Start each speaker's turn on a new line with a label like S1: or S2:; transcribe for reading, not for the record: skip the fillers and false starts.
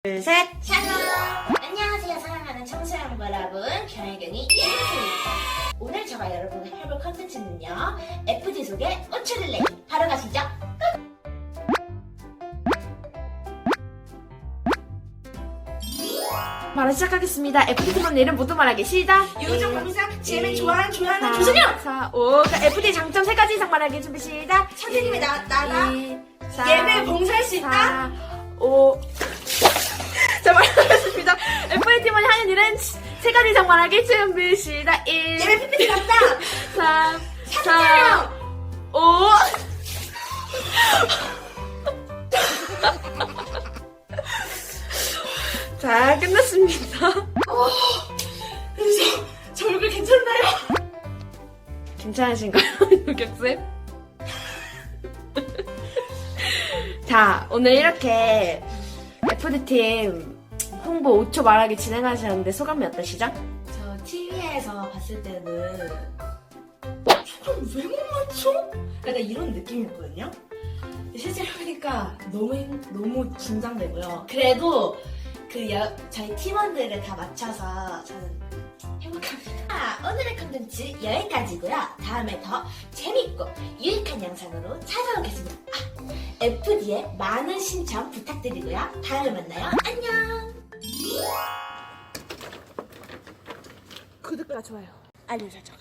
S1: 둘, 셋!
S2: 샬롬! 안녕하세요 사랑하는 청소년 여러분, 경혜경이 이은수입니다. 오늘 제가 여러분과 해볼 컨텐츠는요, FD 속의 우추릴레이. 바로 가시죠.
S1: 바로 시작하겠습니다. FD팀원 이름 모두 말하기 시작!
S2: 요정 공상 제일 좋아하는
S1: 사,
S2: 조선영!
S1: 4, 5. FD 장점 3가지 이상 말하기 준비 시작!
S2: 선생님이 나가
S1: 2, 4,
S2: 예배 봉사할 수 있다?
S1: 4, 5. 자, 말하겠습니다. FD팀원이 하는 일은 3가지 이상 말하기 준비 시작! 1,
S2: 예배 PPT 갔다!
S1: 3, 4,
S2: 촬영!
S1: 5. 자, 끝났습니다.
S2: 저 얼굴 괜찮나요?
S1: 괜찮으신가요, 유격쌤? 자, 오늘 이렇게 FD팀 홍보 5초 말하기 진행하셨는데 소감이 어떠시죠?
S2: 저 TV에서 봤을 때는 저걸 왜 못 맞춰? 약간 이런 느낌이었거든요. 실제로 보니까 너무 긴장되고요. 그래도 저희 팀원들을 다 맞춰서 저는 행복합니다. 오늘의 컨텐츠 여기까지고요. 다음에 더 재밌고 유익한 영상으로 찾아오겠습니다. FD에 많은 신청 부탁드리고요. 다음에 만나요. 안녕.
S1: 구독과 좋아요, 알림 설정.